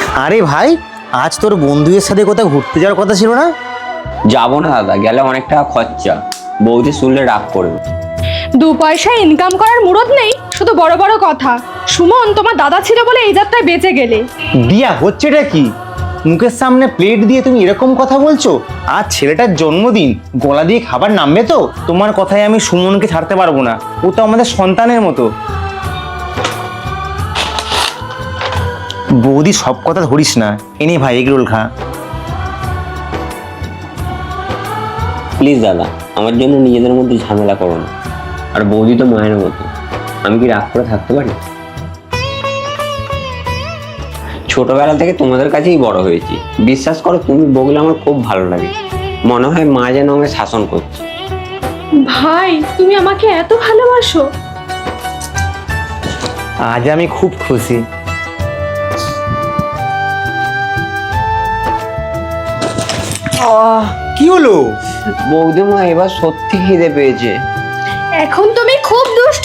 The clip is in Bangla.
আরে ভাই, আজ তোর বন্ধুদের সাথে কোথাও ঘুরতে যাওয়ার কথা ছিল না? যাবো না দাদা, গেলে অনেক টাকা খরচা, বৌদি শুনলে রাগ করবে। 2 পয়সা ইনকাম করার মুরত নেই, শুধু বড় বড় কথা। সুমন, তোমার দাদা ছিল বলে এই যাত্রায় বেঁচে গেলে। দিয়া, হচ্ছেটা কি? মুখের সামনে প্লেট দিয়ে তুমি এরকম কথা বলছো? আজ ছেলেটার জন্মদিন, গলা দিয়ে খাবার নামবে তো? তোমার কথায় আমি সুমনকে ছাড়তে পারবো না, ও তো আমাদের সন্তানের মতো। বৌদি, সব কথা ধরিস না, এনে ভাই এগরোল খা। প্লিজ দাদা, আমার জন্য নিজেদের মধ্যে ঝামেলা করো না। আর বৌদি তো মায়ের মতো, আমি কি রাগ করে থাকতে পারি? ছোটবেলা থেকে তোমাদের কাছেই বড় হয়েছি, বিশ্বাস করো, তুমি বগলে আমার খুব ভালো লাগে। মনে হয় মা যেন আমাকে শাসন করছে। ভাই, তুমি আমাকে এত ভালোবাসো? আজ আমি খুব খুশি। কি হলো? বৌদি মা, এবার সত্যি খিদে পেয়েছে। এখন তুমি খুব দুষ্ট